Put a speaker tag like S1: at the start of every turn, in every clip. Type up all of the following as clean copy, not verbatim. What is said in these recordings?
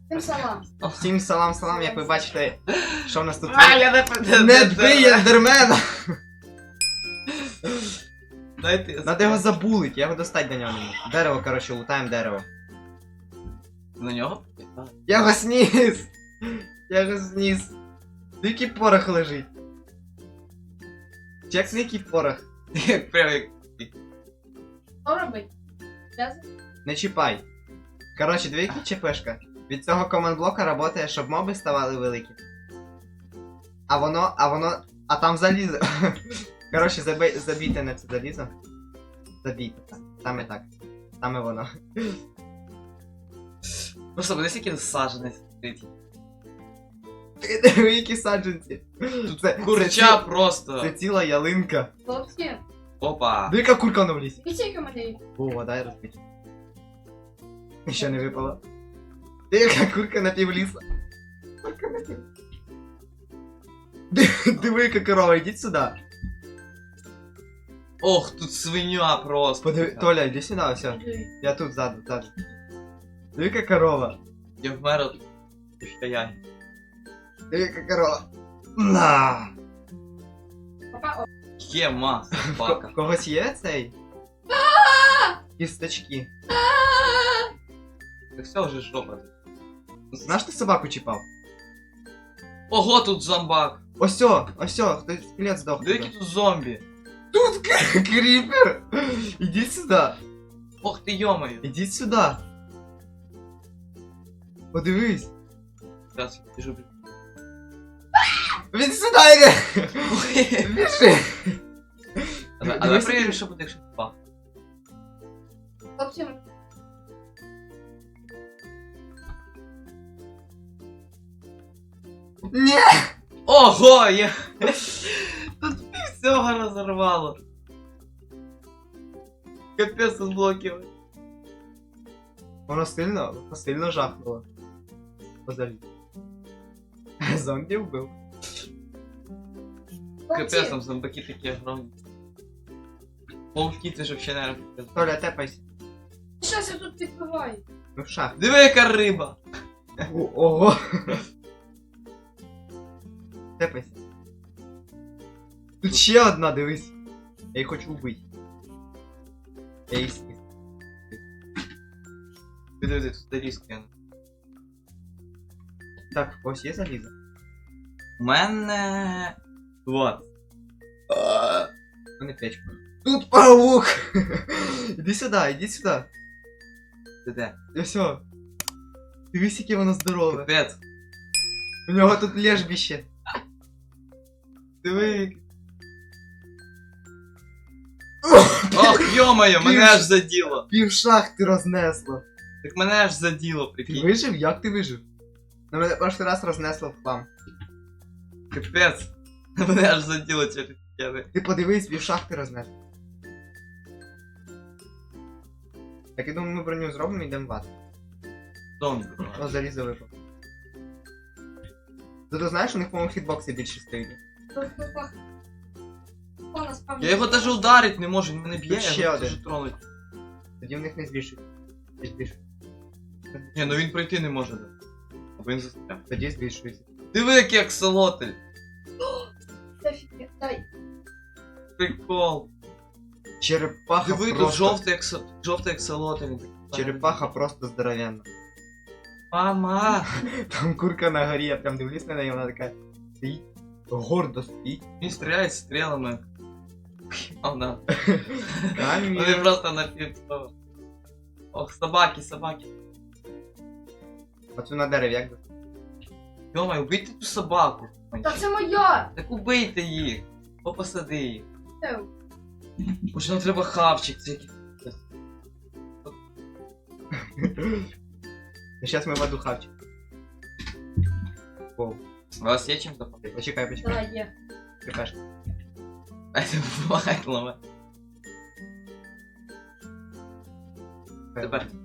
S1: Всім салам.
S2: Всім салам, як ви бачите, що в нас тут
S3: я
S2: не бий ендермена!
S3: Дайте.
S2: Надо його забулить, я його достать до нього не можу. Дерево, коротше, лутаємо дерево.
S3: На нього?
S2: Я його сніс! Я його сніс. Який порох лежить? Чек який порох?
S3: Як прям як...
S1: Що робить?
S2: Не чіпай. Коротше, дві які ЧПшка. Від цього команд-блока работає, щоб моби ставали великі. А там залізо. Коротше, забійте на це залізо. Забійте так. Саме так. Саме воно.
S3: Просто буде скільки саджанець стоїть.
S2: Диви, які саджанці.
S3: Курча просто.
S2: Це ціла ялинка.
S1: Хлопці,
S3: Опа.
S2: Диви, яка курка на в лісі.
S1: дивіться, яка в мене є.
S2: О, дай розбити. Ще не випало. Диви, яка курка на пів ліса. Курка на пів. Диви, яка корова, ідіть сюди.
S3: Ох, тут свиня просто.
S2: Подиви, Толя, іди сюди, все. Я тут ззаду. Диви, яка корова.
S3: Я вмер от стояння.
S2: Диви, яка корова. На!
S1: Папа,
S3: Є маса, собака.
S2: Когось є цей? Кісточки.
S3: Це все вже жопа.
S2: Знаєш, ти собаку чіпав?
S3: Ого, тут зомбак.
S2: Осьо, хтось скелет здох.
S3: Диви, які тут зомбі.
S2: Тут кріпер! Ідіть сюди.
S3: Ох ти йомаю.
S2: Ідіть сюди. Подивись.
S3: Зараз я біжу.
S2: Він сюди йде! Біжи!
S3: Але
S2: Дивись,
S3: перевірю,
S2: який-
S3: що буде, якщо пах.
S1: хлопці,
S2: Ні!
S3: Ого, я... Тут всього розорвало. Капець з блоків.
S2: Воно сильно жахнуло. Позалі. Зомбі вбив.
S3: Капець
S1: хлопці,
S3: там зомбаки такі огромні. Пауки ти ж вообще не робиш.
S2: Толя, тепайся.
S1: щось я тут відкриваю.
S2: Ну в шах.
S3: Диви, яка риба!
S2: Ого! Тепайся. Тут ще одна, дивись. Я її хочу вбити. Я її сніс.
S3: Диви, тут залізки.
S2: Так, в когось є залізо?
S3: У мене... Вот.
S2: У мене печка. Тут паук! Іди сюди.
S3: Ти де?
S2: І все. Дивись, яке воно здорове.
S3: Капець.
S2: У нього тут лежбище. Диви.
S3: Ох, йомаю, мене аж заділо.
S2: Пів шахти рознесло.
S3: Так мене аж заділо,
S2: Ти
S3: прикинь.
S2: вижив? Як ти вижив? На мене перший раз рознесло в хлам.
S3: Капець. Мене аж заділо через тебе.
S2: Ти подивись, пів шахти рознесло. Так, я думаю, ми броню зробимо і йдемо в ад.
S3: Зомбі.
S2: О, залізо випав. Зато знаєш, у них, по-моєму, хітбокси більше стоїть.
S3: Я його даже ударить не можу, він мене б'є,
S2: Тут ще
S3: я його
S2: один.
S3: дуже тронуть.
S2: Тоді в них не збільшують. Не збільшують.
S3: Ні, ну він пройти не може. Або він застряг.
S2: Тоді збільшується.
S3: Диви, який аксолотль.
S1: Дай.
S3: Прикол.
S2: Черепаха
S3: Диви, тут
S2: просто...
S3: жовтий аксолотль. Він такий.
S2: Черепаха просто здоровенна.
S3: Мама!
S2: Там курка на горі, я прям дивлюсь на неї, вона така стоїть, гордо стоїть.
S3: Він стріляє стрілами. Вона.
S2: Камінь.
S3: Вони просто на півцього. Ох, собаки.
S2: Оцю на дереві, як би?
S3: Йомай, убийте ту собаку.
S1: Та це моя!
S3: Так убийте їх. Посади їх.
S1: Це.
S3: Уже нам треба хавчик, це який.
S2: Ну сейчас ми в аду хавчик. Воу.
S3: У вас є чим допомогти?
S2: Почекай.
S1: Давай, є.
S2: Чекаш.
S3: Дайте буває ломе. Тепер.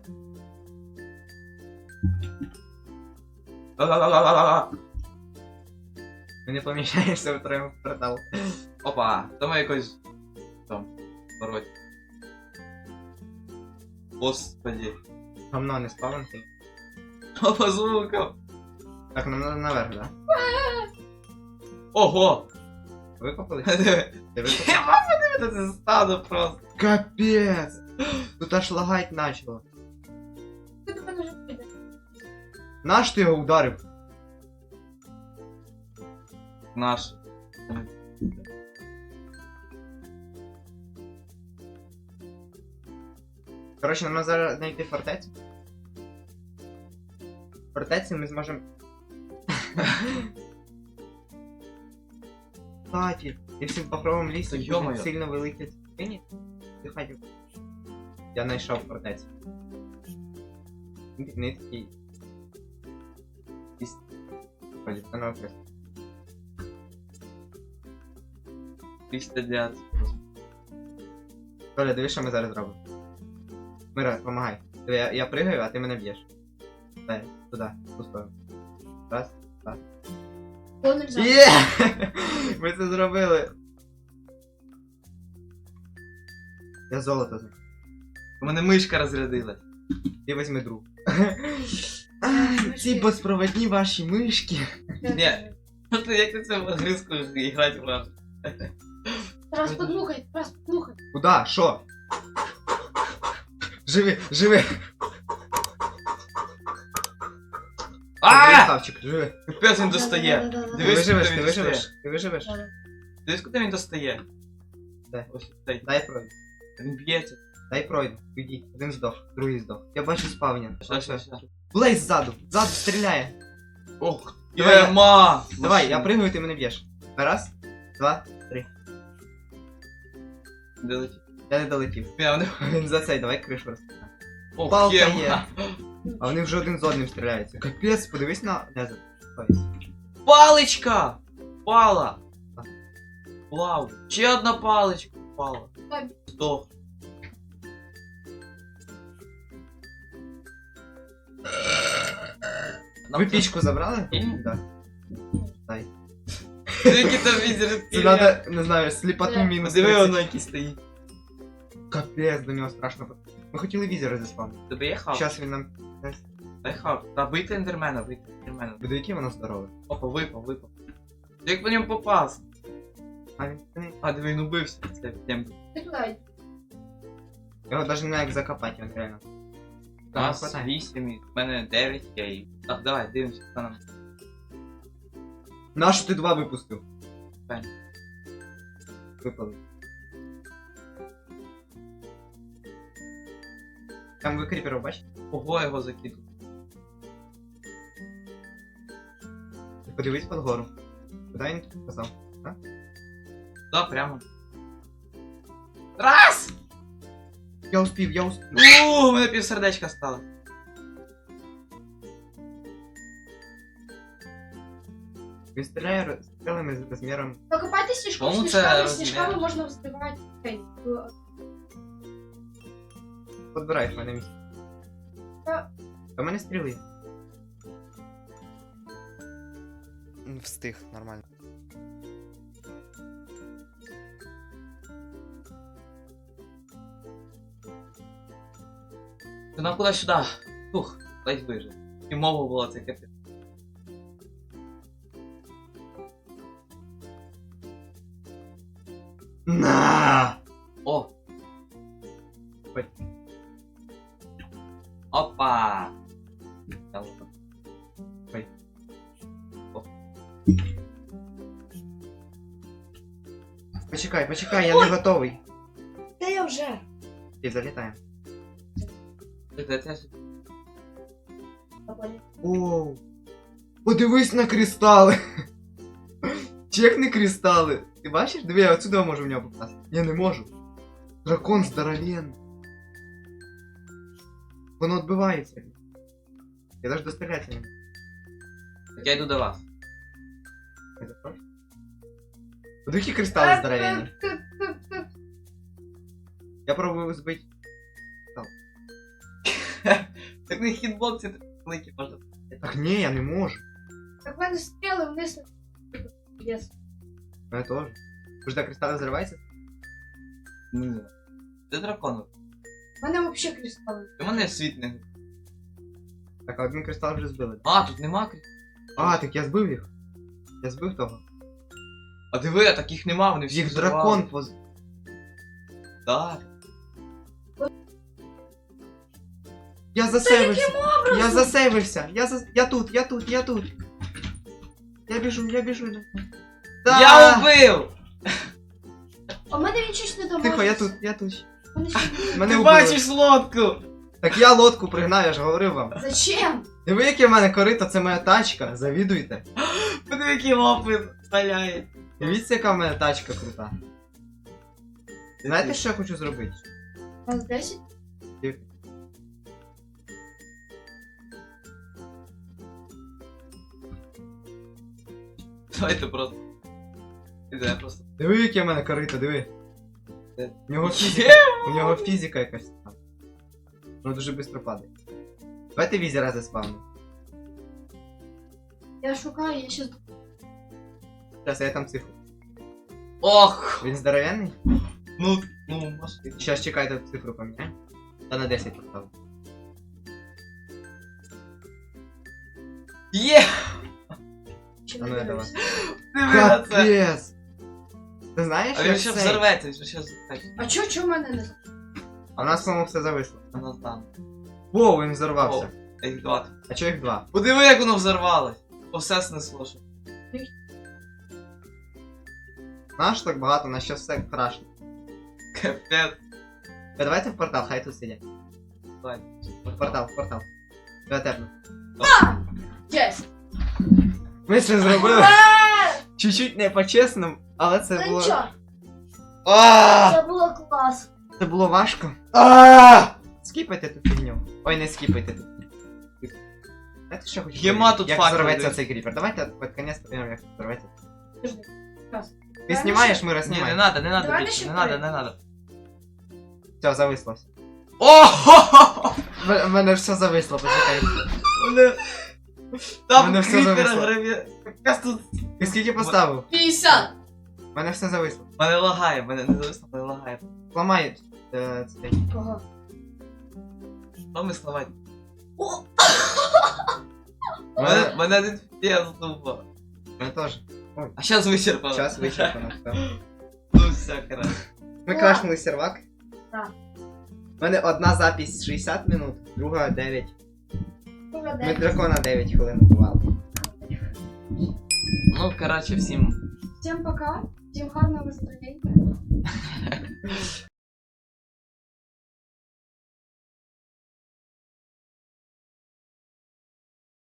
S3: Ла-ла-ла-ла-ла-ла.
S2: Ми не поміщаєшся в троєму в портал.
S3: Опа, там якось там пороть. Господи.
S2: Гамно не спавнити.
S3: По звукам.
S2: Так, нам надо наверх, да?
S3: Ого!
S2: Викопали?
S3: Диви.
S2: Ти викопав?
S3: Я подивити це стадо просто.
S2: Капець! Тут аж лагать начало.
S1: Ти до мене вже піде.
S2: Наш ти його ударив?
S3: Наш.
S2: Коротше, нам треба зараз знайти фортецю. В фортеці ми зможемо. Кстати, якщо в бахровому лісі
S3: Та
S2: буде
S3: йо-моє.
S2: сильно великі цвіні, ти хотів. Я знайшов фортецю. Нитки. Із... Ходить, це на окрест.
S3: 309.
S2: Толя, дивись, що ми зараз зробимо. Мира, помагай. Диви, я пригаю, а ти мене б'єш. Дай, туди, в ту сторону. Раз.
S1: О, не взяв.
S2: Є! Ми це зробили. Я золото знаю.
S3: У мене мишка розрядилась.
S2: Ти візьми друг. Ай, ці безпроводні ваші мишки.
S3: Ні. Просто як ти це в гризку грати вражу.
S1: Раз подмухай, раз подмухай.
S2: Куда? Що? Живи, живи!
S3: Ааа!
S2: Красавчик, живи.
S3: Капець він достає.
S1: Да-да-да-да-да.
S2: Ти
S3: Дивись,
S2: виживеш,
S3: куди
S2: ти
S3: він
S2: виживеш,
S3: достає.
S2: ти виживеш.
S1: Да-да.
S3: Дивись, куди він достає.
S2: Де?
S3: Ось цей.
S2: Дай пройду.
S3: Він б'ється.
S2: Дай пройду. Підіть. Один здох, другий здох. Я бачу спавня.
S3: Що.
S2: Блейз ззаду. Ззаду стріляє.
S3: Ох,
S2: Давай,
S3: єма!
S2: Давай, я пригаю, ти мене б'єш. Раз, два, три.
S3: Де летить?
S2: Я не долетів.
S3: Я не...
S2: Він за цей, давай кришу розкриємо.
S3: Ох,
S2: Палка
S3: єма.
S2: є. А вони вже один з одним стріляються. Капець, подивись на Незер.
S3: Паличка! Впала! Вау! Ще одна паличка впала.
S1: Ой.
S3: Здох.
S2: Ви пічку забрали?
S3: Ні.
S2: Так. Дай.
S3: Які там візер.
S2: Це надо, не знаю, сліпоту мінус.
S3: Диви
S2: 30.
S3: воно який стоїть.
S2: Капець, до нього страшно. Ми хотіли візера заспавнити.
S3: Тебе є хав?
S2: Зараз він нам.
S3: Дай хав. Та бийте ендермена, бийте ендермена.
S2: Буде який воно здорове.
S3: Опа, випав. Як по ньому попасти?
S2: А він не.
S3: А, диви, він убився. Це прям.
S1: Ти туди.
S2: Його навіть не як закопати, він реально.
S3: У
S2: Там
S3: нас
S2: хватає.
S3: 8, в мене 9 є і... Так, давай, дивимося, хто нам.
S2: Нащо ти два випустив?
S3: Пень.
S2: Випали. Там ви кріперів бачите?
S3: Ого, його закидав.
S2: Ти подивись під гору. Куди він тут казав?
S3: Да, прямо. Раз!
S2: Я успів, я успів.
S3: У мене півсердечка стало.
S2: Він стріляє стрілами з розміром.
S1: Покопайте сніжку,
S3: Кому це
S1: сніжками,
S3: розмір?
S1: сніжками можна вздивати. Ей,
S2: Подбирай в мене місце.
S1: Та-
S2: Та в мене стріли.
S4: Встиг, нормально.
S3: Ти нам куди сюди? Фух, ледь вижив. І мова була це капець.
S2: На!
S3: О!
S2: Ой.
S3: Опа! Та ладно.
S2: Ой.
S3: О.
S2: Почекай, почекай, я не готовий.
S1: Та я вже.
S2: І залітаємо.
S3: Це
S2: Оу. Подивись на кристали. Чекни кристали. Ти бачиш? Диви, я отсюда можу в нього попасти. Я не можу. Дракон здоровенний. Воно відбивається. Я навіть дострілятися не можу.
S3: Так я йду до вас.
S2: Я запрошую. Подивись, які кристали здоровенні. Я пробую збити.
S3: Так на хітбоксі великі можна.
S2: Так ні, я не можу.
S1: Так в мене стріли вниз. Єс.
S2: Я теж. Подожди, кристали взриваються?
S3: Ні. Це дракон.
S1: В мене взагалі кристали.
S3: У мене світ не.
S2: Так, а один кристал вже збили.
S3: А, тут нема кристалів.
S2: А, так я збив їх. Я збив того.
S3: А диви, а таких нема, вони всі
S2: Їх
S3: взорвали.
S2: дракон поз...
S3: Так.
S2: Я засейвився. Я засейвився. Я тут. Я біжу. Да!
S3: Я убив!
S1: А в мене він щось не доможе.
S2: Тихо, я тут.
S1: Мене ще не-
S2: Мене
S3: Ти
S2: убили.
S3: бачиш лодку!
S2: Так я лодку пригнав, я ж говорив вам.
S1: Зачем?
S2: Диви, яке в мене корито, це моя тачка, завідуйте.
S3: Подиви, який лопи стріляє.
S2: Дивіться, яка в мене тачка крута. Знаєте, що я хочу зробити?
S1: У нас 10?
S3: Давайте просто. Іде просто.
S2: Диви, яке в мене корито, диви.
S3: Де?
S2: У нього фізика якась там. Воно дуже швидко падає. Давайте візера заспавнимо.
S1: Я шукаю, я щас...
S2: Зараз я там цифру.
S3: Ох!
S2: Він здоровенний?
S3: Ну, може.
S2: Щас чекайте, цифру поміняю. Та на 10 поставлю.
S3: Є!
S1: Чи
S2: А ну,
S1: не
S2: я
S1: дивлюсь.
S3: Диви на це!
S2: Капець! Ти знаєш,
S3: А він ще взорветься, він ще взорветься.
S1: А чо в мене не...
S2: А у нас, по-моєму, все зависло.
S3: А нас там.
S2: Воу, він взорвався.
S3: А їх два.
S2: А чого їх два?
S3: Подиви, як воно взорвалось. Все снесло. що.
S2: Наш так багато, на що все крашне.
S3: Капець.
S2: Давайте в портал, хай тут сидять.
S3: Давай.
S2: В портал. Я тепну.
S1: Єсть!
S2: Ми це зробили.
S1: Ура!
S2: Чуть-чуть не по-чесному, але це
S1: Ну
S2: було.
S1: нічого,
S2: А!
S1: це було клас.
S2: Це було важко. А! Скіпайте ту фігню. Ой, не скіпайте тут. Знаєте, що хочу?
S3: Єма
S2: перевірити?
S3: тут
S2: як
S3: факел
S2: взорветься
S3: дивись.
S2: цей кріпер. Давайте під конець подивимо, як взорветься.
S1: Подожди. Раз.
S2: Ти знімаєш, Мира,
S3: Ні, не
S2: знімай.
S3: надо, не надо
S1: Давай
S3: більше,
S1: ще
S3: не надо,
S1: вперед.
S3: не надо.
S2: Все, зависло все.
S3: О!
S2: В мене все зависло, почекай.
S3: Мене... Там
S2: Мене все
S3: кріпера
S2: зависло.
S3: граві... Якраз тут...
S2: Ти скільки поставив?
S1: 50!
S2: В мене все зависло.
S3: Мене лагає, мене не зависно, мене лагає.
S2: Ламай цей.
S1: Кого?
S3: Що ми славати?
S1: О!
S3: Мене один фіє здуба.
S2: Мене теж.
S3: А зараз вичерпано.
S2: Час вичерпано. все.
S3: Ну все, коротше.
S2: Ми
S1: О!
S2: крашнули сервак.
S1: Так.
S2: У мене одна запись 60 минут, друга 9.
S1: Кого
S2: Ми
S1: де?
S2: дракона 9 хвилин бували.
S3: Ну, коротше, всім.
S1: Всім пока. Всім гарного настроєння.